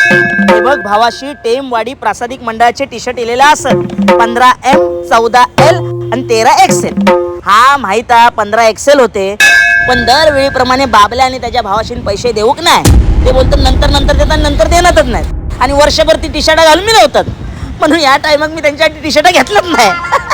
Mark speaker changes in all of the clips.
Speaker 1: हे बघ भावाशी टेमवाडी प्रासादिक मंडळाचे टी शर्ट इलेला असत 15M 14L आणि 13XL. हा माहित आहे 15XL होते, पण दरवेळीप्रमाणे बाबल्या आणि त्याच्या भावाशी पैसे देऊक नाही. ते बोलतात नंतर देतात, नंतर देणारच नाही आणि वर्षभर ती टी शर्ट घालून मिळवतात. म्हणून या टायमात मी त्यांच्यासाठी टी शर्ट घेतलंच नाही.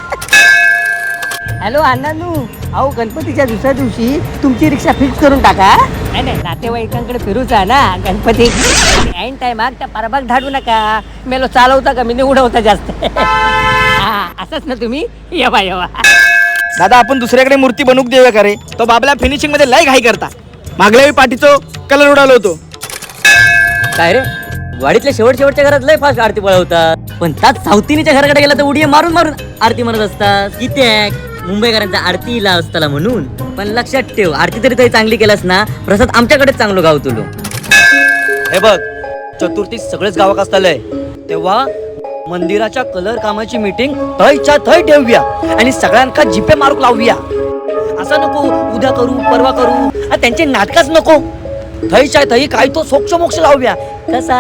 Speaker 2: हॅलो अण्णानू, अहो गणपतीच्या दुसऱ्या दिवशी तुमची रिक्षा फिक्स करून टाका. नाही नातेवाईकांकडे फिरूचा ना गणपती. ऐन टायमात त्या परबाग धाडू नका. मेलो चालवता का मी उडवता जास्त. असंच ना तुम्ही. येवा येवा
Speaker 1: दादा आपण दुसऱ्याकडे मूर्ती बनवूक देऊया का रे? तो बाबला फिनिशिंग मध्ये लय घाई करता. मागल्या वेळी पाठीचो कलर उडालो होतो.
Speaker 3: काय रे, वाडीतल्या शेवटच्या घरात लय फास्ट आरती पळवतात, पण त्याच सावतीनीच्या घराकडे गेला तर उडी मारून आरती म्हणत असतात. किती मुंबईकरांचा आरतीला असताना म्हणून. पण लक्षात ठेव, आरती तरी चांगली केलास ना, प्रसाद आमच्याकडेच चांगलो गाव तुलो. हे बघ, चतुर्थी सगळेच गावात असतालय, तेव्हा मंदिराच्या कलर कामाची मीटिंग थयच्या थय ठेवूया आणि सगळ्यांका जिपे मारूक लावूया. असं नको उद्या करू परवा करू, त्यांचे नाटकच नको. थयच्या थई काय तो सोक्ष मोक्ष लावूया. कसा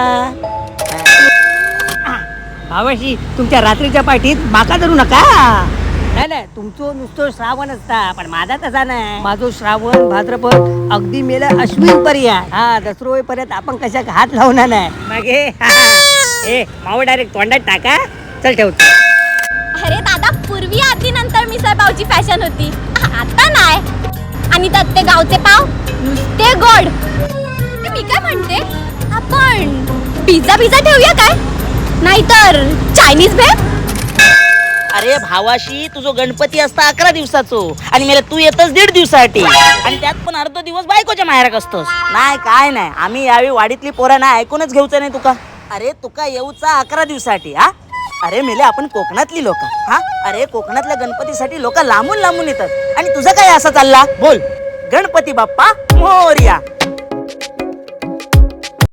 Speaker 2: भावाशी तुमच्या रात्रीच्या पाठीत माका धरू नका. नाही तुमचं नुसतं श्रावण असता, पण माझा तसा नाही. माझं श्रावण भाद्रपद अगदी मेला अश्विन पर्यंत. हा दसरो होईपर्यंत आपण कशाक हात लावणार नाही. मग ए माव डायरेक्ट तोंडात टाका. चल ठेवतो.
Speaker 4: अरे दादा, पूर्वी आरती नंतर मिसळ पावची फॅशन होती, आता नाही. आणि त्यात ते गावचे पाव नुसते गोड. मी काय म्हणते, आपण पिझ्झा ठेवूया काय? नाहीतर चायनीज भेळ.
Speaker 1: अरे भावाशी तुझो गणपती असता 11 दिवसाचो आणि मला तू येतच 1.5 दिवसासाठी, आणि त्यात पण अर्ध दिवस बायकोच्या माहेराक असतोस. नाही काय नाही, आम्ही यावेळी वाडीतली पोरं ना ऐकूनच घेऊचं नाही तुका. अरे तुका येऊचा 11 दिवसासाठी. हा अरे मेले आपण कोकणातली लोक. हा अरे कोकणातल्या गणपतीसाठी लोक लांबून येतात आणि तुझं काय असं चालला बोल. गणपती बाप्पा मोरया.